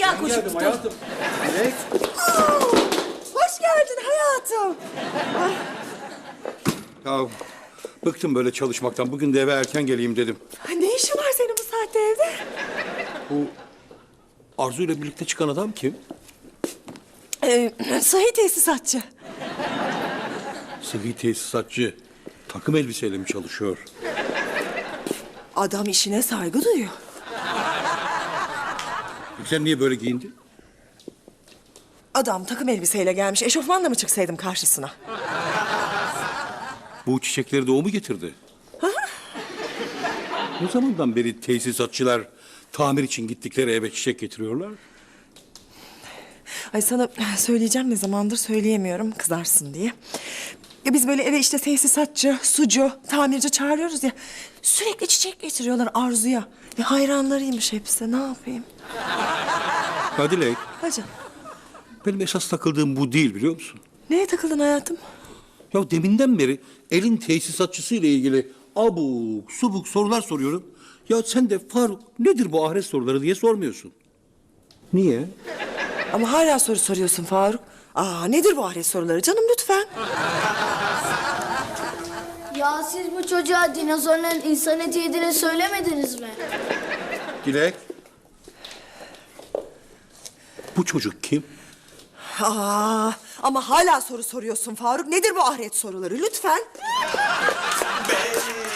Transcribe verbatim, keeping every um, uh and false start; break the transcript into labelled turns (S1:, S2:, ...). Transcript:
S1: Hemen koşup
S2: Geldim
S1: tutalım.
S2: hayatım. Dilek.
S3: Aa, hoş geldin hayatım.
S2: Ya bıktım böyle çalışmaktan. Bugün de eve erken geleyim dedim.
S3: Ne işin var senin bu saatte evde?
S2: Bu Arzu ile birlikte çıkan adam kim?
S3: Ee, Sahi tesisatçı.
S2: Sıhhi tesisatçı. Takım elbiseyle mi çalışıyor?
S3: Adam işine saygı duyuyor.
S2: Sen niye böyle giyindin?
S3: Adam takım elbiseyle gelmiş. Eşofmanla mı çıksaydım karşısına?
S2: Bu çiçekleri de o mu getirdi? Ne zamandan beri tesisatçılar tamir için gittikleri eve çiçek getiriyorlar?
S3: Ay sana söyleyeceğim, ne zamandır söyleyemiyorum, kızarsın diye. Ya biz böyle eve işte tesisatçı, sucu, tamirci çağırıyoruz ya. Sürekli çiçek getiriyorlar Arzu'ya. Ya hayranlarıymış hepsi, ne yapayım?
S2: Ya Dilek,
S3: Hacı,
S2: benim esas takıldığım bu değil biliyor musun?
S3: neye takıldın hayatım?
S2: Ya deminden beri elin tesisatçısı ile ilgili abuk subuk sorular soruyorum. Ya sen de Faruk nedir bu ahiret soruları diye sormuyorsun. Niye?
S3: Ama hala soru soruyorsun Faruk. Aa, nedir bu ahiret soruları canım, lütfen.
S1: Ya siz bu çocuğa dinozorların insan eti yediğini söylemediniz mi?
S2: Dilek. Bu çocuk kim?
S3: Aa, ama hala soru soruyorsun Faruk. Nedir bu ahiret soruları, lütfen.